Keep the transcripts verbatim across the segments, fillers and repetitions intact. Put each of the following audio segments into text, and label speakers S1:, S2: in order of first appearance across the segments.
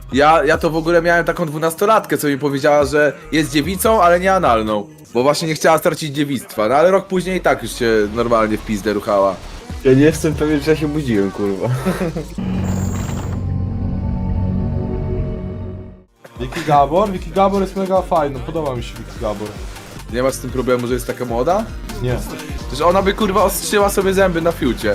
S1: Ja, ja to w ogóle miałem taką dwunastolatkę, co mi powiedziała, że jest dziewicą, ale nie analną. Bo właśnie nie chciała stracić dziewictwa, no ale rok później i tak już się normalnie w pizdę ruchała.
S2: Ja nie jestem pewien, czy ja się budziłem, kurwa.
S3: Wiki Gabor? Wiki Gabor jest mega fajny, podoba mi się Wiki Gabor.
S1: Nie masz z tym problemu, że jest taka młoda?
S3: Nie.
S1: Przecież ona by kurwa ostrzyła sobie zęby na fiucie.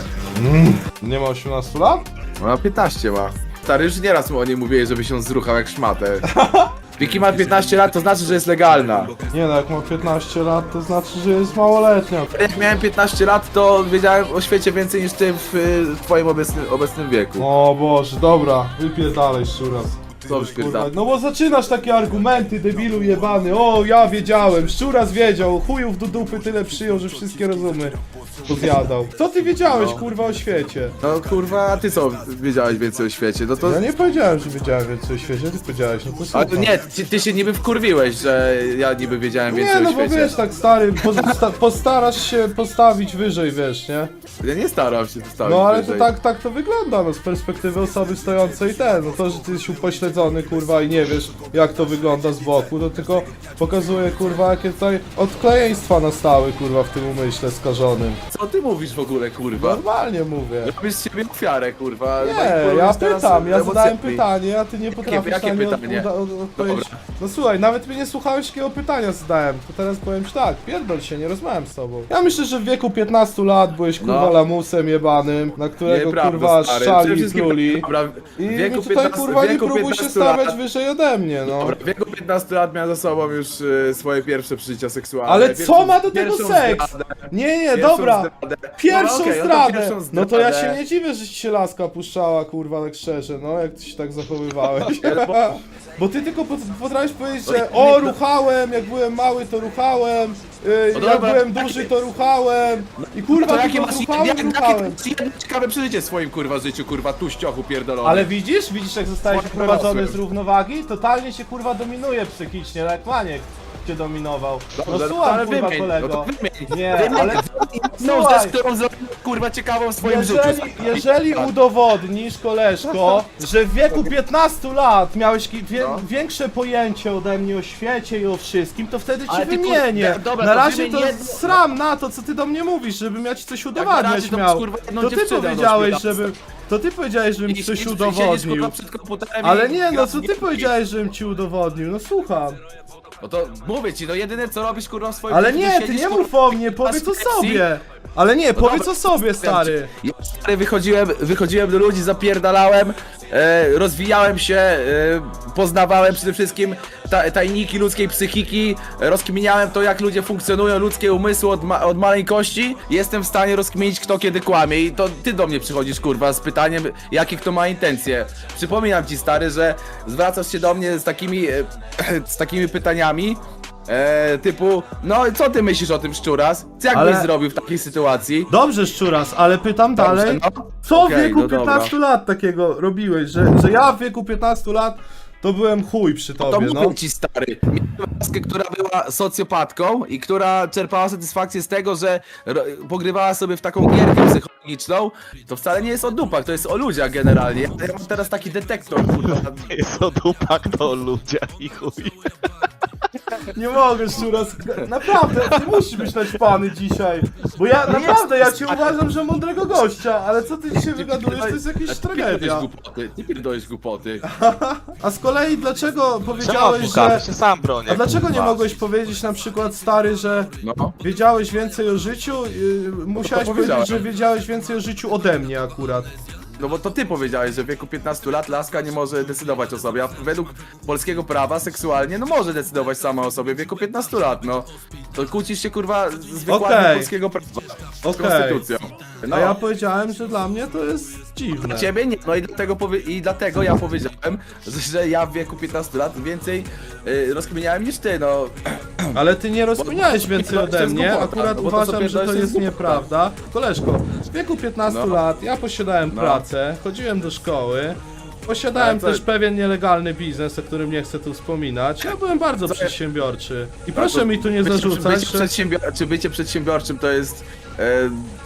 S3: Nie ma osiemnastu lat?
S1: Ona piętnaście ma. Stary, już nieraz mu o niej mówiłeś, żeby się zruchał jak szmatę. Wiki ma piętnaście lat, to znaczy, że jest legalna.
S3: Nie no, jak ma piętnaście lat, to znaczy, że jest małoletnia.
S1: Jak miałem piętnaście lat, to wiedziałem o świecie więcej niż ty w, w twoim obecnym, obecnym wieku.
S3: O Boże, dobra, wypierdalaj szczuras.
S1: Co wypierdalaj?
S3: No bo zaczynasz takie argumenty, debilu jebany. O, ja wiedziałem, szczuras wiedział, chujów do dupy tyle przyjął, że wszystkie rozumy pozjadał. Co ty wiedziałeś,
S1: No.
S3: kurwa, o świecie?
S1: No kurwa, a ty co wiedziałeś więcej o świecie? No to...
S3: Ja nie powiedziałem, że wiedziałem więcej o świecie, ty powiedziałeś, no to
S1: Ale
S3: słucham.
S1: to nie, ty, ty się niby wkurwiłeś, że ja niby wiedziałem więcej
S3: Nie, no
S1: o
S3: bo
S1: świecie.
S3: wiesz, tak stary, posta postarasz się postawić wyżej, wiesz, nie?
S1: Ja nie staram się postawić
S3: No ale to
S1: wyżej.
S3: tak, tak to wygląda, no z perspektywy osoby stojącej ten, no to, że ty jesteś upośledzony, kurwa, i nie wiesz, jak to wygląda z boku, to tylko pokazuje, kurwa, jakie tutaj odklejeństwa nastały, kurwa, w tym umyśle skażonym.
S1: Co ty mówisz w ogóle, kurwa?
S3: Normalnie mówię.
S1: Robisz z siebie ofiarę, kurwa.
S3: Nie,
S1: manipulujesz
S3: ja
S1: teraz
S3: pytam, ja zadałem
S1: emocjami.
S3: pytanie, a ty nie potrafisz
S1: jakie
S3: na nie
S1: pytanie?
S3: od- od- odpowiedzieć.
S1: Dobra.
S3: No słuchaj, nawet mnie nie słuchałeś, jakiego pytania zadałem, to teraz powiem ci tak, pierdol się, nie rozmawiam z tobą. Ja myślę, że w wieku piętnastu lat byłeś, kurwa,
S1: No.
S3: lamusem jebanym, na którego,
S1: Nieprawda,
S3: kurwa,
S1: stary.
S3: szczali
S1: Przede
S3: i
S1: wszystkim
S3: pluli.
S1: dobra, w
S3: I
S1: wieku
S3: tutaj,
S1: piętnastu
S3: kurwa, nie
S1: wieku
S3: próbuj się
S1: piętnastu
S3: stawiać
S1: lat-
S3: wyżej ode mnie, no.
S1: Dobra, w wieku piętnastu lat miałem za sobą już e, swoje pierwsze przeżycia seksualne.
S3: Ale
S1: Pierwszą-
S3: co ma do tego
S1: pierwszą
S3: seks?
S1: zdradę.
S3: Nie, nie,
S1: Pierwszą
S3: dobra.
S1: zdradę.
S3: Pierwszą
S1: Dobra, okej, no to
S3: zdradę!
S1: pierwszą
S3: No to ja się
S1: zdradę.
S3: nie dziwię, że ci się laska puszczała, kurwa, tak szczerze, no, jak ty się tak zachowywałeś. Bo ty tylko pot- potrafisz powiedzieć, że o, ruchałem, jak byłem mały, to ruchałem, yy, jak
S1: dobra,
S3: byłem
S1: takie-
S3: duży, to ruchałem. I kurwa,
S1: To jakie
S3: tylko
S1: masz
S3: ruchałem,
S1: jakie,
S3: ruchałem.
S1: jakie jedno ciekawe przeżycie w swoim kurwa życiu, kurwa tuściochu pierdolony.
S3: Ale widzisz, widzisz jak zostałeś
S1: Swoim
S3: wyprowadzony
S1: dorosłym.
S3: z równowagi? Totalnie się kurwa dominuje psychicznie, jak maniek cię dominował.
S1: Dobrze,
S3: No
S1: no
S3: słucham,
S1: ale
S3: kurwa,
S1: wymień,
S3: kolego.
S1: no to wymień.
S3: Nie,
S1: Wymień
S3: ale
S1: jedną
S3: słuchaj.
S1: rzecz, którą zrobił kurwa ciekawą w swoim
S3: Jeżeli,
S1: życiu.
S3: jeżeli udowodnisz, koleżko, że w wieku piętnastu lat miałeś ki- wie,
S1: No.
S3: większe pojęcie ode mnie o świecie i o wszystkim, to wtedy ci
S1: Ale ty,
S3: wymienię.
S1: kur- dobra,
S3: na
S1: to
S3: razie
S1: wymień
S3: to
S1: jedno-
S3: sram na to, co ty do mnie mówisz, żebym ja ci coś
S1: na
S3: udowadniać
S1: razie to
S3: miał.
S1: kurwa jedną
S3: To ty
S1: dziewczynę
S3: powiedziałeś,
S1: ośmiolatka.
S3: żebym... To ty powiedziałeś, żebym
S1: I-
S3: ci
S1: i-
S3: coś
S1: i siedzisz,
S3: udowodnił.
S1: kurwa, przed komputerem
S3: Ale
S1: i
S3: nie, no
S1: grasz
S3: co
S1: w
S3: ty
S1: gierki.
S3: powiedziałeś, żebym ci udowodnił, no słucham.
S1: No to mówię ci, no jedyne co robisz kurwa w swoim
S3: Ale
S1: życiu,
S3: nie,
S1: to
S3: ty
S1: siedzisz,
S3: nie
S1: kurwa,
S3: mów o mnie, powiedz o
S1: Pepsi.
S3: sobie. Ale nie, powiedz
S1: dobra,
S3: o sobie, stary.
S1: Ja stary, wychodziłem, wychodziłem do ludzi, zapierdalałem, e, rozwijałem się, e, poznawałem przede wszystkim ta, tajniki ludzkiej psychiki, e, rozkminiałem to, jak ludzie funkcjonują, ludzkie umysły od, ma, od maleńkości. Jestem w stanie rozkminić, kto kiedy kłamie i to ty do mnie przychodzisz, kurwa, z pytaniem, jakie kto ma intencje. Przypominam ci, stary, że zwracasz się do mnie z takimi, e, z takimi pytaniami, E, typu, no co ty myślisz o tym szczuras? Co jak
S3: Ale-
S1: byś zrobił w takiej sytuacji?
S3: Dobrze, szczuras, ale pytam
S1: Dobrze,
S3: dalej.
S1: no.
S3: Co w
S1: Okej,
S3: wieku
S1: no dobra.
S3: piętnastu lat takiego robiłeś, że, że ja w wieku piętnastu lat to byłem chuj przy
S1: To
S3: tobie,
S1: mówię
S3: no.
S1: ci, stary. Miałem laskę, która była socjopatką i która czerpała satysfakcję z tego, że ro- pogrywała sobie w taką gierkę psychologiczną. To wcale nie jest o dupach, to jest o ludziach generalnie. Ja, ja mam teraz taki detektor, kurwa.
S4: Jest o dupak, to o ludziach i chuj.
S3: Nie mogę, szczuras. Naprawdę, ty musisz być naćpany dzisiaj. Bo ja naprawdę, ja cię uważam, że mądrego gościa, ale co ty dzisiaj wygadujesz, to jest jakaś
S1: Ty
S3: tragedia.
S1: pierdolisz głupoty, nie pierdolisz głupoty.
S3: A z kolei dlaczego
S4: Czemu
S3: powiedziałeś,
S4: adwokat?
S3: że...
S4: Się sam bronię.
S3: A dlaczego nie
S4: kurwa.
S3: mogłeś powiedzieć na przykład, stary, że
S1: No.
S3: wiedziałeś więcej o życiu? Yy, musiałeś powiedzieć,
S1: powiedziałem.
S3: że wiedziałeś więcej o życiu ode mnie akurat.
S1: No bo to ty powiedziałeś, że w wieku piętnastu lat laska nie może decydować o sobie, a według polskiego prawa seksualnie, no może decydować sama o sobie w wieku piętnastu lat, no. To kłócisz się, kurwa, z wykładem
S3: Okej.
S1: polskiego prawa, z
S3: Okej.
S1: konstytucją. No.
S3: A ja powiedziałem, że dla mnie to jest dziwne.
S1: Dla ciebie nie, no i dlatego, powie, i dlatego ja powiedziałem, że, że ja w wieku piętnastu lat więcej y, rozkminiałem niż ty, no.
S3: Ale ty nie rozkminiałeś więcej
S1: to
S3: ode
S1: jest
S3: mnie,
S1: głupota,
S3: akurat
S1: no bo to, co
S3: uważam, że
S1: pierdolisz,
S3: to
S1: to
S3: jest
S1: jest
S3: nieprawda. Koleżko, w wieku piętnastu
S1: No.
S3: lat ja posiadałem
S1: No.
S3: pracę, chodziłem do szkoły, posiadałem
S1: Ale co-
S3: też pewien nielegalny biznes, o którym nie chcę tu wspominać. Ja byłem bardzo
S1: Co-
S3: przedsiębiorczy. I proszę
S1: To
S3: mi tu nie
S1: bycie-
S3: zarzucać,
S1: bycie
S3: że...
S1: przedsiębior- Czy bycie przedsiębiorczym to jest e,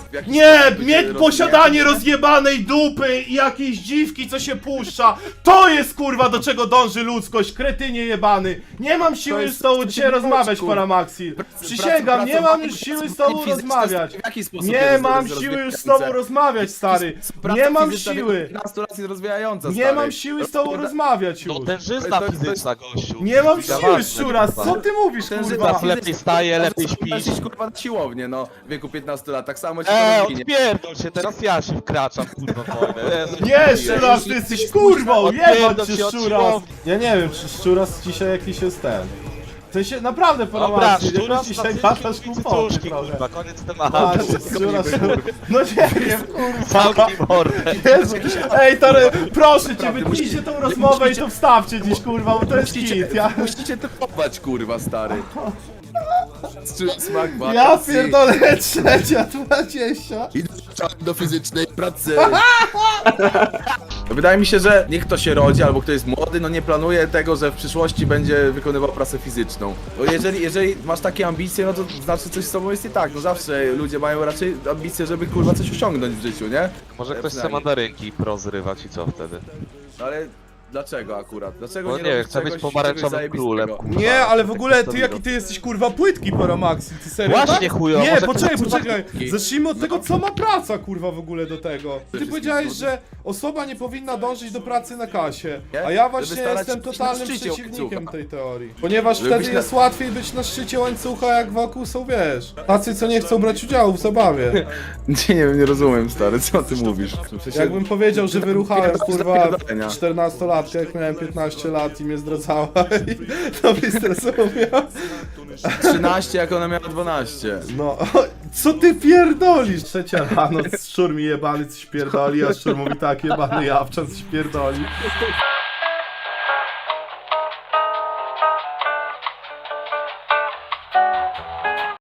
S1: w jakiś
S3: Nie,
S1: sposób
S3: mieć
S1: się
S3: posiadanie
S1: rozwijać.
S3: rozjebanej dupy i jakiejś dziwki, co się puszcza. To jest kurwa do czego dąży ludzkość, kretynie jebany. Nie mam siły
S1: jest-
S3: z tobą
S1: to się
S3: dzisiaj
S1: nie
S3: rozmawiać,
S1: chodzi, kurwa.
S3: Paramaxil.
S1: Pracy-
S3: Przysięgam, nie mam
S1: pracowanie-
S3: już siły z
S1: pracowanie
S3: tobą
S1: fizyczne
S3: rozmawiać.
S1: w jaki sposób
S3: Nie
S1: jest
S3: mam
S1: roz-
S3: siły już z
S1: rozwijające?
S3: tobą rozmawiać, stary.
S1: Praca
S3: Nie mam
S1: fizyczna
S3: siły.
S1: piętnastu lat jest rozwijająca,
S3: Nie
S1: stary.
S3: mam siły z tobą
S1: Rozkłada-
S3: rozmawiać
S4: No
S3: już.
S4: tężyzna
S1: To- to- to-
S4: fizyczna, gościu.
S3: Nie mam
S4: Fizyczna
S3: siły,
S4: ważna,
S3: szczuras,
S4: kurwa.
S3: co ty mówisz,
S1: Księżyca
S3: kurwa?
S4: Tak, lepiej wstaje, lepiej
S1: Możesz
S4: śpisz.
S1: iść, kurwa, na siłownię, no, w wieku piętnastu lat, tak samo ci
S4: Eee,
S1: to rozwinie.
S4: odpierdol się, teraz ja się wkraczam, kurwa, w wojnę. Jezu,
S3: Nie,
S4: dziękuję.
S3: szczuras, ty jesteś kurwą,
S4: Odpierdol
S3: jebać cię,
S4: się od
S3: szczuras.
S4: siłowni.
S3: Ja nie wiem, czy szczuras dzisiaj jakiś jest ten. W sensie, naprawdę,
S4: Dobra,
S3: Paramaxil,
S4: szczuras
S3: jakoś dzisiaj
S4: na
S3: gadasz
S4: cycki,
S3: głupoty
S4: cycuszki,
S3: trochę.
S4: kurwa, koniec
S3: A,
S4: tematu.
S3: szczuras, no nie wiem, kurwa.
S4: Zamknij mordę.
S3: Jezu. Ej, Tory, proszę cię,
S1: Naprawdę,
S3: wytnijcie
S1: musicie-
S3: tą rozmowę i
S1: musicie-
S3: to wstawcie dziś, kurwa, bo to jest
S1: Musicie,
S3: hit. Ja,
S1: musicie typować, kurwa, stary. Czuć smak
S3: ja
S1: wakacji.
S3: pierdolę, trzecia dwadzieścia.
S1: I do fizycznej pracy. Wydaje mi się, że niech kto się rodzi, albo kto jest młody, no nie planuje tego, że w przyszłości będzie wykonywał pracę fizyczną. Bo jeżeli, jeżeli masz takie ambicje, no to znaczy coś z sobą jest i tak. No zawsze ludzie mają raczej ambicje, żeby kurwa coś osiągnąć w życiu, nie?
S4: Może
S1: Ja
S4: ktoś chce
S1: przynajmniej.
S4: mandarynki prozrywać i co wtedy?
S1: No ale dlaczego akurat? Dlaczego
S4: Bo
S1: nie
S4: nie wiem,
S1: robisz
S4: chcę być
S1: czegoś-
S4: pomarańczowym
S1: czegoś
S4: królem,
S1: zajebistego?
S4: kurwa.
S3: Nie, ale w ogóle ty
S4: Stop,
S3: jaki
S4: stop.
S3: ty jesteś kurwa płytki, Paramaxil, ty serio?
S4: Właśnie,
S3: tak?
S4: chujo,
S3: Nie,
S4: może
S3: poczekaj,
S4: ktoś-
S3: poczekaj. Zacznijmy od tego, co ma praca, kurwa, w ogóle do tego. Ty powiedziałeś, że osoba nie powinna dążyć do pracy na kasie. A ja
S1: Żeby
S3: właśnie
S1: starać
S3: jestem
S1: się być na
S3: totalnym
S1: szczycie
S3: przeciwnikiem
S1: łańcucha.
S3: tej teorii. Ponieważ
S1: Żeby
S3: wtedy
S1: być na-
S3: jest łatwiej być na szczycie łańcucha, jak wokół są, wiesz, tacy, co nie chcą brać udziału w zabawie.
S1: Nie, nie wiem, nie rozumiem, stary, co ty mówisz? W sensie-
S3: Jakbym powiedział, że wyruchałem,
S1: Pierdol-
S3: kurwa,
S1: zapierdolenia.
S3: czternastolatkę, jak miałem piętnaście lat i mnie zdradzała i to byś zrozumiał.
S1: trzynaście, jak ona miała dwanaście.
S3: No, co ty pierdolisz? Trzecia rano, szczur mi jebany coś pierdoli, a szczur mówi tak, jebany jawczan coś pierdoli.